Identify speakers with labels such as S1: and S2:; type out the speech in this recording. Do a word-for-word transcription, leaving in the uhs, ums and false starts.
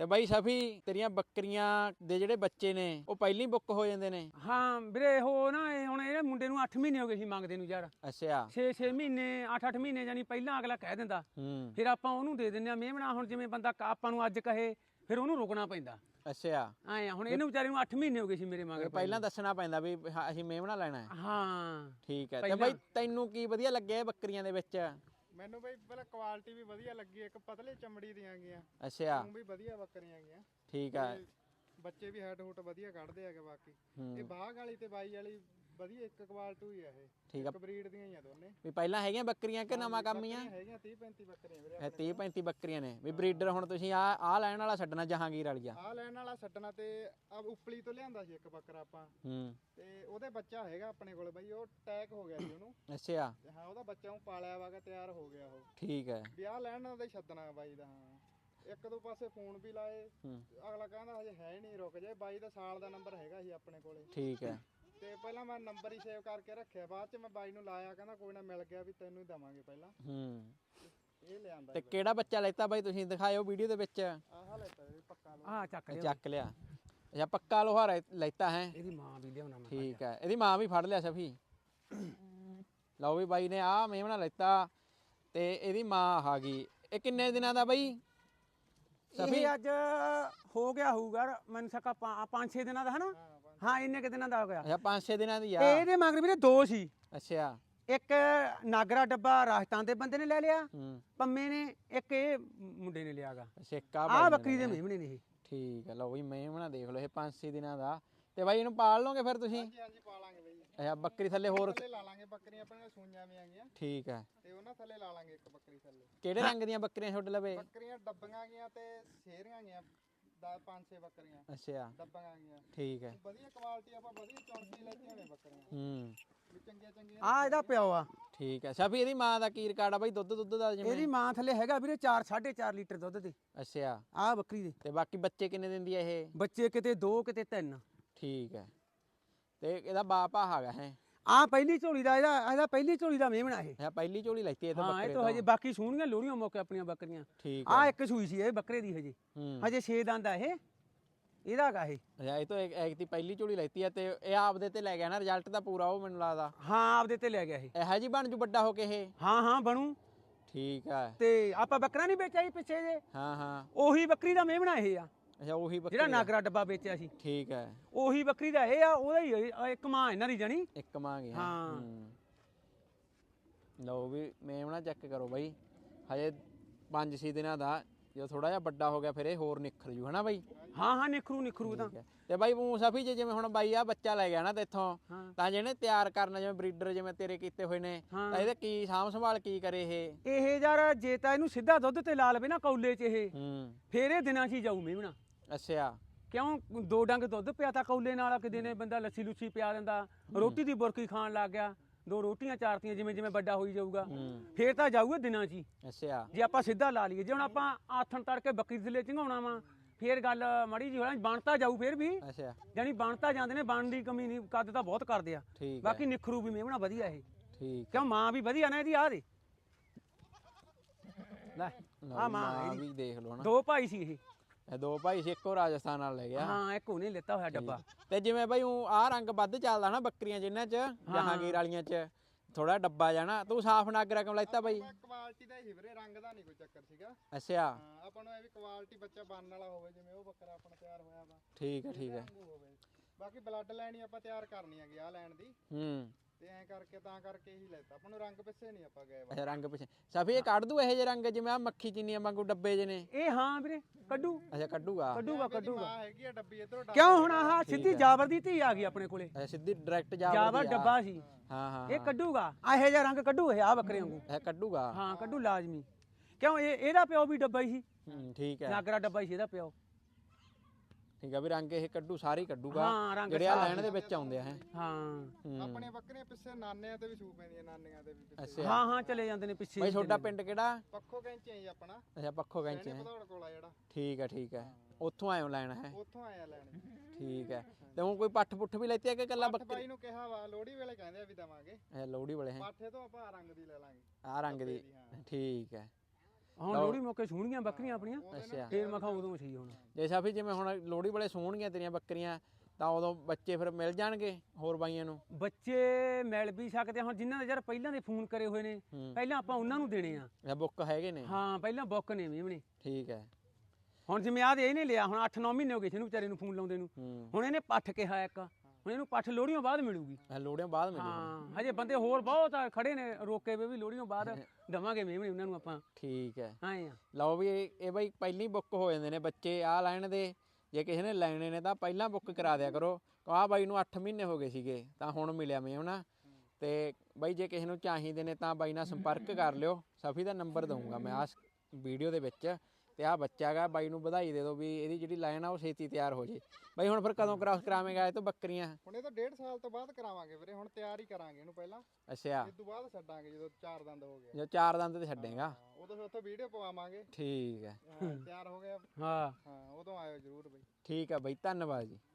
S1: ਤੇ ਬਾਈ ਸਫੀ ਤੇਰੀਆਂ ਬੱਕਰੀਆਂ ਦੇ ਜਿਹੜੇ ਬੱਚੇ ਨੇ ਉਹ ਪਹਿਲਾਂ ਹੀ ਬੁੱਕ ਹੋ ਜਾਂਦੇ ਨੇ?
S2: ਹਾਂ ਵੀਰੇ ਉਹ ਨਾ ਇਹ ਹੁਣ ਇਹਦੇ ਮੁੰਡੇ ਨੂੰ ਅੱਠ ਮਹੀਨੇ ਹੋ ਗਏ ਸੀ ਮੰਗਦੇ ਨੂੰ ਯਾਰ।
S1: ਅੱਛਾ
S2: ਛੇ ਛੇ ਮਹੀਨੇ ਅੱਠ ਅੱਠ ਮਹੀਨੇ ਜਾਨੀ ਪਹਿਲਾਂ ਅਗਲਾ ਕਹਿ ਦਿੰਦਾ,
S1: ਹੂੰ
S2: ਫਿਰ ਆਪਾਂ ਉਹਨੂੰ ਦੇ ਦਿੰਦੇ ਆ ਮੇਮਣਾ। ਹੁਣ ਜਿਵੇਂ ਬੰਦਾ ਆਪਾਂ ਨੂੰ ਅੱਜ ਕਹੇ ਫਿਰ ਉਹਨੂੰ ਰੁਕਣਾ ਪੈਂਦਾ।
S1: ਅੱਛਾ
S2: ਐ ਹੁਣ ਇਹਨੂੰ ਵਿਚਾਰੇ ਨੂੰ ਅੱਠ ਮਹੀਨੇ ਹੋ ਗਏ ਸੀ ਮੇਰੇ ਮੰਗਦੇ।
S1: ਪਹਿਲਾਂ ਦੱਸਣਾ ਪੈਂਦਾ ਵੀ ਹਾਂ ਅਸੀਂ ਮੇਮਣਾ ਲੈਣਾ ਹੈ।
S2: ਹਾਂ
S1: ਠੀਕ ਹੈ। ਤੇ ਬਾਈ ਤੈਨੂੰ ਕੀ ਵਧੀਆ ਲੱਗਿਆ ਇਹ ਬੱਕਰੀਆਂ ਦੇ ਵਿੱਚ?
S3: ਮੈਨੂੰ ਬਈ ਪਹਿਲਾਂ ਕੁਆਲਿਟੀ ਵੀ ਵਧੀਆ ਲੱਗੀ, ਇੱਕ ਪਤਲੇ ਚਮੜੀ ਦੀਆਂ ਗੀਆਂ।
S1: ਅੱਛਾ
S3: ਉਹ ਵੀ ਵਧੀਆ ਬੱਕਰੀਆਂ ਗੀਆਂ।
S1: ਠੀਕ ਆ।
S3: ਬੱਚੇ ਵੀ ਹੈਡ ਹੂਟ ਵਧੀਆ ਕੱਢਦੇ ਹੈਗੇ। ਬਾਕੀ ਇਹ ਬਾਗ ਵਾਲੀ ਤੇ ਬਾਈ ਵਾਲੀ ਵਧੀਆ ਇੱਕ ਕੁਆਲਿਟੀ ਹੀ ਆ। ਇਹ
S1: ਠੀਕ ਆ,
S3: ਇੱਕ ਬਰੀਡ ਦੀਆਂ ਹੀ ਆ ਦੋਨੇ।
S1: ਵੀ ਪਹਿਲਾਂ ਹੈਗੀਆਂ ਬੱਕਰੀਆਂ ਕਿ ਨਵਾਂ ਕੰਮ ਹੀ ਆ?
S3: ਹੈਗੀਆਂ ਤੀਹ ਪੈਂਤੀ ਬੱਕਰੀਆਂ ਵੀਰੇ।
S1: ਇਹ ਤੀਹ ਪੈਂਤੀ ਬੱਕਰੀਆਂ ਨੇ ਵੀ ਬਰੀਡਰ। ਹੁਣ ਤੁਸੀਂ ਆ ਆ ਲੈਣ ਵਾਲਾ ਛੱਡਣਾ ਜਹਾਂਗੀਰ ਵਾਲੀਆ?
S3: ਆ ਲੈਣ ਵਾਲਾ ਛੱਡਣਾ ਤੇ ਆ ਉਪਲੀ ਤੋਂ ਲਿਆਂਦਾ ਸੀ ਇੱਕ ਬੱਕਰਾ ਆਪਾਂ।
S1: ਹੂੰ
S3: ਤੇ ਉਹਦੇ ਬੱਚਾ ਹੈਗਾ ਆਪਣੇ ਕੋਲ ਬਈ, ਉਹ ਅਟੈਕ ਹੋ ਗਿਆ ਸੀ ਉਹਨੂੰ।
S1: ਅੱਛਾ
S3: ਹਾਂ ਉਹਦਾ ਬੱਚਾ ਉਹ ਪਾਲਿਆ ਵਾਗਾ, ਤਿਆਰ ਹੋ ਗਿਆ ਉਹ।
S1: ਠੀਕ ਹੈ।
S3: ਵੀ ਆ ਲੈਣ ਦਾ ਛੱਡਣਾ ਬਾਈ ਦਾ। ਹਾਂ ਇੱਕ ਦੋ ਪਾਸੇ ਫੋਨ ਵੀ ਲਾਏ, ਅਗਲਾ ਕਹਿੰਦਾ ਹਜੇ ਹੈ ਨਹੀਂ, ਰੁਕ ਜਾਏ। ਬਾਈ ਦਾ ਸਾਲ ਦਾ ਨੰਬਰ ਹੈਗਾ ਸੀ ਆਪਣੇ ਕੋਲੇ।
S1: ਠੀਕ ਹੈ।
S3: ਤੇ ਪਹਿਲਾਂ ਮੈਂ ਨੰਬਰ ਹੀ ਸੇਵ ਕਰਕੇ ਰੱਖਿਆ, ਬਾਅਦ ਚ ਮੈਂ ਬਾਈ ਨੂੰ ਲਾਇਆ, ਕਹਿੰਦਾ ਕੋਈ ਨਾ ਮਿਲ ਗਿਆ ਵੀ ਤੈਨੂੰ ਹੀ ਦਵਾਂਗੇ ਪਹਿਲਾਂ।
S1: ਹੂੰ
S3: ਇਹ ਲਿਆਂਦਾ
S1: ਤੇ ਕਿਹੜਾ ਬੱਚਾ ਲੈਤਾ ਬਾਈ ਤੁਸੀਂ ਦਿਖਾਇਓ ਵੀਡੀਓ ਦੇ ਵਿੱਚ?
S3: ਆਹ ਲੈਤਾ ਜੀ ਪੱਕਾ ਲੋ।
S2: ਆਹ ਚੱਕ ਲਿਆ
S1: ਚੱਕ ਲਿਆ। ਅੱਛਾ ਪੱਕਾ ਲੋਹਾ ਲੈਤਾ ਹੈ?
S2: ਇਹਦੀ ਮਾਂ ਵੀ ਲਿਆਉਣਾ ਮੈਂ।
S1: ਠੀਕ ਹੈ। ਇਹਦੀ ਮਾਂ ਵੀ ਫੜ ਲਿਆ ਸਫੀ। ਲਓ ਵੀ ਬਾਈ ਨੇ ਆਹ ਮੇਮਣਾ ਲੈਤਾ ਤੇ ਇਹਦੀ ਮਾਂ ਆ ਗਈ। ਇਹ ਕਿੰਨੇ ਦਿਨਾਂ ਦਾ ਬਾਈ ਸਫੀ?
S2: ਇਹ ਅੱਜ ਹੋ ਗਿਆ ਹੋਊਗਾ ਮੈਨੂੰ ਸਕਾ ਪੰਜ ਛੇ ਦਿਨਾਂ ਦਾ ਹਨਾ। ਹਾਂ ਇੰਨੇ ਕਿ ਦਿਨਾਂ ਦਾ ਹੋ ਗਿਆ।
S1: ਅੱਛਾ ਪੰਜ ਛੇ ਦਿਨਾਂ ਦੀ ਆ।
S2: ਤੇ ਇਹਦੇ ਮਗਰ ਵੀਰੇ ਦੋ ਸੀ।
S1: ਅੱਛਾ
S2: ਇੱਕ ਨਾਗਰਾ ਡੱਬਾ ਰਾਜਸਥਾਨ ਦੇ ਬੰਦੇ ਨੇ ਲੈ ਲਿਆ
S1: ਹੂੰ
S2: ਪੰਮੇ ਨੇ, ਇੱਕ ਇਹ ਮੁੰਡੇ ਨੇ ਲਿਆਗਾ।
S1: ਸਿੱਕਾ
S2: ਆਹ ਬੱਕਰੀ ਦੇ ਮੇਮਣੇ ਨੇ ਇਹ।
S1: ਠੀਕ ਹੈ। ਲਓ ਬਈ ਮੇਮਣਾ ਦੇਖ ਲਓ, ਇਹ ਪੰਜ ਛੇ ਦਿਨਾਂ ਦਾ। ਤੇ ਬਾਈ ਇਹਨੂੰ ਪਾਲ ਲਓਗੇ ਫਿਰ ਤੁਸੀਂ?
S3: ਹਾਂਜੀ ਹਾਂਜੀ ਪਾਲਾਂਗੇ ਬਈ।
S1: ਅੱਛਾ ਬੱਕਰੀ ਥੱਲੇ ਹੋਰ
S3: ਥੱਲੇ ਲਾ ਲਾਂਗੇ ਬੱਕਰੀਆਂ ਆਪਣੇ ਸੂਈਆਂ ਵੀ ਆ ਗਈਆਂ।
S1: ਠੀਕ ਹੈ।
S3: ਤੇ ਉਹਨਾਂ ਥੱਲੇ ਲਾ ਲਾਂਗੇ ਇੱਕ ਬੱਕਰੀ ਥੱਲੇ।
S1: ਕਿਹੜੇ ਰੰਗ ਦੀਆਂ ਬੱਕਰੀਆਂ ਛੋਡੇ ਲਵੇ?
S3: ਬੱਕਰੀਆਂ ਡੱਬੀਆਂ ਗਈਆਂ ਤੇ ਸ਼ੇਰੀਆਂ ਗਈਆਂ, ਦਾ ਪੰਜ ਛੇ ਬੱਕਰੀਆਂ
S1: ਅੱਛਾ
S3: ਡੱਬੀਆਂ ਗਈਆਂ।
S1: ਠੀਕ ਹੈ।
S3: ਵਧੀਆ ਕੁਆਲਿਟੀ ਆਪਾਂ ਵਧੀਆ ਚੌਂਕੀ ਲੈਤੀਆਂ ਨੇ ਬੱਕਰੀਆਂ
S1: ਹੂੰ
S3: ਵੀ ਚੰਗੀਆਂ ਚੰਗੀਆਂ।
S2: ਆ ਇਹਦਾ ਪਿਓ ਆ।
S1: ਠੀਕ ਹੈ। ਸਭੀ ਇਹਦੀ ਮਾਂ ਦਾ ਕੀ ਰਿਕਾਰਡ ਆ ਬਾਈ ਦੁੱਧ ਦੁੱਧ ਦਾ ਜਿਵੇਂ?
S2: ਇਹਦੀ ਮਾਂ ਥੱਲੇ ਹੈਗਾ ਵੀਰੇ ਚਾਰ ਸਾਢੇ ਚਾਰ ਲੀਟਰ ਦੁੱਧ ਦੇ।
S1: ਅੱਛਾ
S2: ਆਹ ਬੱਕਰੀ ਦੇ
S1: ਤੇ ਬਾਕੀ ਬੱਚੇ ਕਿੰਨੇ ਦਿੰਦੀ ਆ ਇਹ?
S2: ਬੱਚੇ ਕਿਤੇ ਦੋ ਕਿਤੇ ਤਿੰਨ।
S1: ਠੀਕ ਹੈ। ਤੇ ਇਹਦਾ ਬਾਪ ਆ ਹੈਗਾ ਹੈ?
S2: ਆ ਪਹਿਲੀ ਝੋਲੀ ਦਾ ਇਹਦਾ ਇਹਦਾ ਪਹਿਲੀ ਝੋਲੀ ਦਾ ਮੇਮਣਾ ਇਹ।
S1: ਅੱਛਾ ਪਹਿਲੀ ਝੋਲੀ ਲੈਤੀ ਇਹ ਤਾਂ
S2: ਹਾਂ
S1: ਬੱਕਰੇ
S2: ਇਹ ਤਾਂ ਹਜੇ ਬਾਕੀ ਸੂਣੀਆਂ ਲੋੜੀਆਂ ਮੌਕੇ ਆਪਣੀਆਂ ਬੱਕਰੀਆਂ।
S1: ਠੀਕ
S2: ਆ ਇੱਕ ਸੂਈ ਸੀ ਇਹ ਬੱਕਰੇ ਦੀ ਹਜੇ।
S1: ਹੂੰ
S2: ਹਜੇ ਛੇ ਦੰਦ ਆ ਇਹ। ਇਹਦਾ ਹੈਗਾ ਇਹ।
S1: ਅੱਛਾ ਇਹ ਤੋਂ ਇੱਕ ਦੀ ਪਹਿਲੀ ਝੋਲੀ ਲੈਤੀ ਆ ਤੇ ਇਹ ਆਪਦੇ ਤੇ ਲੈ ਗਿਆ ਨਾ ਰਿਜ਼ਲਟ ਦਾ ਪੂਰਾ ਉਹ ਮੈਨੂੰ ਲੱਗਦਾ।
S2: ਹਾਂ ਆਪਦੇ ਤੇ ਲੈ ਗਿਆ ਇਹ।
S1: ਇਹੋ ਜੀ ਬਣ ਜੂ ਵੱਡਾ ਹੋ ਕੇ ਇਹ?
S2: ਹਾਂ ਹਾਂ ਬਣੂ।
S1: ਠੀਕ ਹੈ।
S2: ਤੇ ਆਪਾਂ ਬੱਕਰਾ ਨਹੀਂ ਵੇਚਿਆ ਸੀ ਪਿੱਛੇ ਜੇ,
S1: ਹਾਂ ਹਾਂ
S2: ਉਹੀ ਬੱਕਰੀ ਦਾ ਮੇਮਣਾ ਇਹ ਆ
S1: ਅੱਛਾ ਉਹੀ ਬੱਕਰੀ
S2: ਜਿਹੜਾ ਨਾਗਰਾ ਡੱਬਾ ਵੇਚਿਆ ਸੀ।
S1: ਠੀਕ ਹੈ।
S2: ਉਹੀ ਬੱਕਰੀ ਦਾ ਇਹ ਆ, ਉਹਦਾ ਹੀ ਇਹ- ਇੱਕ ਮਾਂ ਇਹਨਾਂ ਦੀ ਜਾਣੀ।
S1: ਇੱਕ ਮੰਗ ਗਿਆ।
S2: ਹਾਂ।
S1: ਹੂੰ। ਲਓ ਵੀ ਮੇਮਣਾ ਚੈੱਕ ਕਰੋ ਬਾਈ, ਹਜੇ ਪੰਜ ਛੇ ਦਿਨਾਂ ਦਾ। ਜਦੋਂ ਥੋੜਾ ਜਿਹਾ ਵੱਡਾ ਹੋ ਗਿਆ ਫਿਰ ਇਹ ਹੋਰ ਨਿਖਰ ਜੂ ਹਨਾ ਬਾਈ?
S2: ਹਾਂ ਹਾਂ ਨਿਖਰੂ ਨਿਖਰੂ ਤਾਂ।
S1: ਠੀਕ ਹੈ। ਤੇ ਬਾਈ ਮੂੰਹ ਸਫੀ ਜੇ ਜਿਵੇਂ ਹੁਣ ਬਾਈ ਆ ਬੱਚਾ ਲੈ ਗਿਆ ਨਾ ਤੇਥੋਂ,
S2: ਹਾਂ।
S1: ਤਾਂ ਜਿਹਨੇ ਤਿਆਰ ਕਰਨਾ ਜਿਵੇਂ ਬਰੀਡਰ ਜਿਵੇਂ ਤੇਰੇ ਕੀਤੇ ਹੋਏ ਨੇ,
S2: ਹਾਂ।
S1: ਤਾਂ ਇਹਦੇ ਕੀ ਸਾਂਭ ਸੰਭਾਲ ਕੀ ਕਰੇ ਇਹ?
S2: ਇਹ ਯਾਰ ਜੇ ਤਾਂ ਇਹਨੂੰ ਸਿੱਧਾ ਦੁੱਧ ਤੇ ਲਾ ਲਵੇ ਨਾ ਕੌਲੇ 'ਚ ਇਹ,
S1: ਹੂੰ
S2: ਫੇਰ ਇਹ ਦਿਨਾਂ 'ਚ ਹੀ ਜਾਊ ਮੇਮਣਾ।
S1: ਅੱਛਾ
S2: ਕਿਉਂ ਦੋ ਡੰਗ ਦੁੱਧ ਪਿਆ ਤਾਂ ਕੌਲੇ ਨਾਲ, ਕਿਤੇ ਨੇ ਬੰਦਾ ਲੱਸੀ ਲੁੱਸੀ ਪਿਆ ਦਿੰਦਾ, ਰੋਟੀ ਦੀ ਬੁਰਕੀ ਖਾਣ ਲੱਗ ਗਿਆ, ਦੋ ਰੋਟੀਆਂ ਚਾਰਤੀਆਂ ਜਿਵੇਂ ਜਿਵੇਂ ਵੱਡਾ ਹੋਈ ਜਾਊਗਾ, ਫੇਰ ਤਾਂ ਜਾਊਗਾ ਦਿਨਾਂ 'ਚ ਹੀ।
S1: ਅੱਛਾ
S2: ਜੇ ਆਪਾਂ ਸਿੱਧਾ ਲਾ ਲਈਏ, ਜੇ ਹੁਣ ਆਪਾਂ ਆਥਣ ਤੜਕੇ ਬੱਕਰੀ ਥੱਲੇ ਚੰਗਾਉਣਾ ਵਾ, ਫੇਰ ਗੱਲ ਮਾੜੀ ਜਿਹੀ ਹੋਣਾ, ਬਣਤਾ ਜਾਊ ਫੇਰ ਵੀ।
S1: ਅੱਛਾ
S2: ਜਾਨੀ ਬਣਤਾ ਜਾਂਦੇ ਨੇ, ਬਣਨ ਦੀ ਕਮੀ ਨਹੀਂ, ਕੱਦ ਤਾਂ ਬਹੁਤ ਕਰਦੇ ਆ।
S1: ਠੀਕ ਹੈ।
S2: ਬਾਕੀ ਨਿਖਰੂ ਵੀ ਮੇਮਣਾ ਵਧੀਆ ਇਹ।
S1: ਠੀਕ
S2: ਕਿਉਂ ਮਾਂ ਵੀ ਵਧੀਆ ਨਾ ਇਹਦੀ, ਆ ਦੇ ਲੈ ਆ ਮਾਂ
S1: ਆ
S2: ਇਹਦੀ।
S1: ਵੀ ਦੇਖ ਲਓ ਨਾ,
S2: ਦੋ ਭਾਈ ਸੀ ਇਹ।
S1: ਇਹ ਦੋ ਭਾਈ ਸੀ, ਇੱਕੋ ਰਾਜਸਥਾਨ ਨਾਲ ਲੈ ਗਿਆ।
S2: ਹਾਂ ਇੱਕ ਉਹਨੇ ਲੈਤਾ ਹੋਇਆ ਡੱਬਾ।
S1: ਤੇ ਜਿਵੇਂ ਬਾਈ ਉਹ ਆਹ ਰੰਗ ਵੱਧ ਚੱਲਦਾ ਨਾ ਬੱਕਰੀਆਂ ਜਿਨ੍ਹਾਂ 'ਚ, ਜਹਾਂਗੀਰ ਵਾਲੀਆਂ 'ਚ ਥੋੜਾ ਡੱਬਾ ਜਾਣਾ, ਤੂੰ ਸਾਫ ਨਾਗਰਾ ਕਿਉਂ ਲੈਤਾ ਬਾਈ?
S3: ਕੁਆਲਿਟੀ ਦਾ ਹੀ ਵੀਰੇ, ਰੰਗ ਦਾ ਨਹੀਂ ਕੋਈ ਚੱਕਰ ਸੀਗਾ।
S1: ਅੱਛਾ
S3: ਹਾਂ ਆਪਾਂ ਨੂੰ ਇਹ ਵੀ ਕੁਆਲਿਟੀ ਬੱਚਾ ਬਣਨ ਵਾਲਾ ਹੋਵੇ, ਜਿਵੇਂ ਉਹ ਬੱਕਰਾ ਆਪਣਾ ਤਿਆਰ ਹੋਇਆ ਵਾ।
S1: ਠੀਕ ਹੈ। ਠੀਕ ਹੈ।
S3: ਹੋਵੇ ਬਾਕੀ ਬਲੱਡ ਲਾਈਨ ਹੀ ਆਪਾਂ ਤਿਆਰ ਕਰਨੀ ਹੈਗੀ ਆ ਲੈਣ ਦੀ,
S1: ਹੂੰ
S3: ਤੇ ਐਂ ਕਰਕੇ ਤਾਂ ਕਰਕੇ ਹੀ ਲੈਤਾ ਆਪਾਂ ਨੂੰ। ਰੰਗ ਪਿੱਛੇ ਨਹੀਂ ਆਪਾਂ ਗਏ ਵਾ।
S1: ਅੱਛਾ ਰੰਗ ਪਿੱਛੇ ਸਫੀ ਇਹ ਕੱਢ ਦੂ ਇਹੋ ਜਿਹੇ ਰੰਗ ਜਿਵੇਂ ਆ ਮੱਖੀ ਚੀਨੀਆਂ ਵਾਂਗੂ ਡੱਬੇ ਜਿਹੇ ਨੇ?
S2: ਇਹ ਹਾਂ ਵੀਰੇ ਕੱਢੂ
S1: ਅੱਛਾ ਕੱਢੂਗਾ।
S2: ਕੱਢੂਗਾ ਕੱਢੂਗਾ।
S3: ਮਾਂ ਹੈਗੀ ਆ ਡੱਬੀ ਇਧਰੋਂ।
S2: ਕਿਉਂ ਹੁਣ ਆਹ ਸਿੱਧੀ ਜਾਬਰ ਦੀ ਧੀ ਆ ਗਈ ਆਪਣੇ ਕੋਲੇ।
S1: ਅੱਛਾ ਸਿੱਧੀ ਡਾਇਰੈਕਟ ਜਾ
S2: ਜਾਬਰ ਡੱਬਾ ਸੀ।
S1: ਹਾਂ ਹਾਂ
S2: ਇਹ ਕੱਢੂਗਾ, ਇਹੋ ਜਿਹਾ ਰੰਗ ਕੱਢੂ ਇਹ ਆ ਬੱਕਰੇ ਵਾਂਗੂ।
S1: ਇਹ ਕੱਢੂਗਾ।
S2: ਹਾਂ ਕੱਢੂ ਲਾਜ਼ਮੀ। ਕਿਉਂ ਇਹ ਇਹਦਾ ਪਿਓ ਵੀ ਡੱਬਾ ਹੀ ਸੀ,
S1: ਹੂੰ ਠੀਕ ਹੈ।
S2: ਨਾਗਰਾ ਡੱਬਾ ਹੀ ਸੀ ਇਹਦਾ ਪਿਓ।
S1: ਠੀਕ ਆ ਵੀ ਰੰਗ ਇਹ ਕੱਢੂ ਸਾਰੇ ਹੀ ਕੱਢੂਗਾ
S2: ਹਾਂ, ਰੰਗ
S1: ਜਿਹੜੇ ਆ ਲੈਣ ਦੇ ਵਿੱਚ ਆਉਂਦੇ ਆ ਹੈ।
S2: ਹਾਂ
S3: ਆਪਣੇ ਬੱਕਰੀਆਂ ਪਿੱਛੇ ਨਾਨਿਆਂ ਤੇ ਵੀ ਸੂ ਪੈਂਦੀਆਂ, ਨਾਨੀਆਂ ਦੇ ਵੀ ਪਿੱਛੇ।
S1: ਅੱਛਾ
S2: ਹਾਂ ਹਾਂ ਚਲੇ ਜਾਂਦੇ ਨੇ ਪਿੱਛੇ।
S1: ਬਾਈ ਤੁਹਾਡਾ ਪਿੰਡ ਕਿਹੜਾ?
S3: ਪੱਖੋ ਕੈਂਚੇ ਹੀ ਆਪਣਾ।
S1: ਅੱਛਾ ਪੱਖੋ ਕੈਂਚੇ ਹੈ।
S3: ਭਦੌੜ ਕੋਲ ਆ ਜਿਹੜਾ।
S1: ਠੀਕ ਹੈ। ਠੀਕ ਹੈ। ਉੱਥੋਂ ਆਇਓ ਲੈਣਾ ਹੈ?
S3: ਉੱਥੋਂ ਆਇਆ ਲੈਣ।
S1: ਠੀਕ ਹੈ। ਤੇ ਹੁਣ ਕੋਈ ਪੱਠ ਪੁੱਠ ਵੀ ਲੈਤੀ ਹੈ ਕਿ ਇਕੱਲਾ ਬੱਕਰੀ?
S3: ਬਾਈ ਨੂੰ ਕਿਹਾ ਵਾ ਲੋਹੜੀ ਵੇਲੇ ਕਹਿੰਦੇ ਆ ਵੀ ਦਵਾਂਗੇ।
S1: ਇਹ ਲੋਹੜੀ ਵਾਲੇ ਹੈ?
S3: ਪਾਠੇ ਤੋਂ ਆਪਾਂ ਰੰਗ ਦੀ ਲੈ ਲਾਂਗੇ।
S1: ਆ ਰੰਗ ਦੀ। ਠੀਕ ਹੈ।
S2: ਹੁਣ ਲੋਹੜੀ ਮੌਕੇ ਸੂਣੀਆਂ ਬੱਕਰੀਆਂ ਆਪਣੀਆਂ
S1: ਅੱਛਾ
S2: ਫੇਰ ਮੈਂ ਕਿਹਾ ਉਦੋਂ ਸਹੀ ਹੁਣ
S1: ਜੇ ਸਾਫੀ ਜਿਵੇਂ ਹੁਣ ਲੋਹੜੀ ਵਾਲੇ ਸੂਣਗੀਆਂ ਤੇਰੀਆਂ ਬੱਕਰੀਆਂ ਤਾਂ ਉਦੋਂ ਬੱਚੇ ਫਿਰ ਮਿਲ ਜਾਣਗੇ ਹੋਰ ਬਾਈਆਂ ਨੂੰ?
S2: ਬੱਚੇ ਮਿਲ ਵੀ ਸਕਦੇ ਆ। ਹੁਣ ਜਿਨ੍ਹਾਂ ਦੇ ਯਾਰ ਪਹਿਲਾਂ ਦੇ ਫੋਨ ਕਰੇ ਹੋਏ ਨੇ
S1: ਹੂੰ।
S2: ਪਹਿਲਾਂ ਆਪਾਂ ਉਹਨਾਂ ਨੂੰ ਦੇਣੇ ਆ।
S1: ਇਹ ਬੁੱਕ ਹੈਗੇ ਨੇ?
S2: ਹਾਂ ਪਹਿਲਾਂ ਬੁੱਕ ਨੇ ਮੇਮਣੇ।
S1: ਠੀਕ ਹੈ।
S2: ਹੁਣ ਜਿਵੇਂ ਆਹ ਇਹਨੇ ਲਿਆ ਹੁਣ ਅੱਠ ਨੌ ਮਹੀਨੇ ਹੋ ਗਏ ਸੀ ਇਹਨੂੰ ਵਿਚਾਰੇ ਨੂੰ ਫੋਨ ਲਾਉਂਦੇ ਨੂੰ।
S1: ਹੂੰ।
S2: ਹੁਣ ਇਹਨੇ ਪੱਠ ਕਿਹਾ ਇੱਕ, ਹੁਣ ਇਹਨੂੰ ਪੱਠ ਲੋਹੜੀਆਂ ਬਾਅਦ ਮਿਲੂਗੀ।
S1: ਇਹ ਲੋਹੜੀਆਂ ਬਾਅਦ ਮਿਲੂਗੀ?
S2: ਹਾਂ ਹਜੇ ਬੰਦੇ ਹੋਰ ਬਹੁਤ ਆ ਖੜੇ ਨੇ ਰੋਕੇ ਵੇ ਵੀ ਲੋਹੜੀਆਂ ਬਾਅਦ ਦਵਾਂਗੇ ਮੇਮਣੇ ਉਹਨਾਂ ਨੂੰ ਆਪਾਂ।
S1: ਠੀਕ ਹੈ।
S2: ਹਾਂ ਆ
S1: ਲਓ ਵੀ ਇਹ ਇਹ ਬਾਈ ਪਹਿਲੀ ਬੁੱਕ ਹੋ ਜਾਂਦੇ ਨੇ ਬੱਚੇ ਆ ਲੈਣ ਦੇ। ਜੇ ਕਿਸੇ ਨੇ ਲੈਣੇ ਨੇ ਤਾਂ ਪਹਿਲਾਂ ਬੁੱਕ ਕਰਾ ਦਿਆ ਕਰੋ। ਆਹ ਬਾਈ ਨੂੰ ਅੱਠ ਮਹੀਨੇ ਹੋ ਗਏ ਸੀਗੇ ਤਾਂ ਹੁਣ ਮਿਲਿਆ ਮੇਮਣਾ। ਤੇ ਬਾਈ ਜੇ ਕਿਸੇ ਨੂੰ ਚਾਹੀਦੇ ਨੇ ਤਾਂ ਬਾਈ ਨਾਲ ਸੰਪਰਕ ਕਰ ਲਿਓ। ਸਫੀ ਦਾ ਨੰਬਰ ਦਊਂਗਾ ਮੈਂ ਆ ਵੀਡੀਓ ਦੇ ਵਿੱਚ। ਤੇ ਆਹ ਬੱਚਾ ਹੈਗਾ ਬਾਈ ਨੂੰ ਵਧਾਈ ਦੇ ਦਿਓ ਵੀ ਇਹਦੀ ਜਿਹੜੀ ਲਾਈਨ ਆ ਉਹ ਛੇਤੀ ਤਿਆਰ ਹੋ ਜੇ। ਬਾਈ ਹੁਣ ਫਿਰ ਕਦੋਂ ਕ੍ਰਾਸ ਕਰਾਵੇਂਗਾ ਇਹ ਤੋਂ ਬੱਕਰੀਆਂ?
S3: ਹੁਣ ਇਹ ਤਾਂ ਡੇਢ ਸਾਲ ਤੋਂ ਬਾਅਦ ਕਰਾਵਾਂਗੇ ਵੀਰੇ। ਹੁਣ ਤਿਆਰ ਹੀ ਕਰਾਂਗੇ ਇਹਨੂੰ ਪਹਿਲਾਂ,
S1: ਅੱਛਾ
S3: ਇਸ ਤੋਂ ਬਾਅਦ ਛੱਡਾਂਗੇ ਜਦੋਂ ਚਾਰ ਦੰਦ ਹੋ ਗਏ।
S1: ਜੋ ਚਾਰ ਦੰਦ ਤੇ ਛੱਡੇਗਾ?
S3: ਹਾਂ, ਉਦੋਂ ਫਿਰ ਉੱਥੇ ਵੀਡੀਓ ਪਵਾਵਾਂਗੇ।
S1: ਠੀਕ ਹੈ।
S3: ਹਾਂ, ਤਿਆਰ ਹੋ ਗਿਆ।
S2: ਹਾਂ
S3: ਹਾਂ ਉਦੋਂ ਆਇਓ ਜ਼ਰੂਰ ਬਈ।
S1: ਠੀਕ ਆ ਬਾਈ, ਧੰਨਵਾਦ ਜੀ।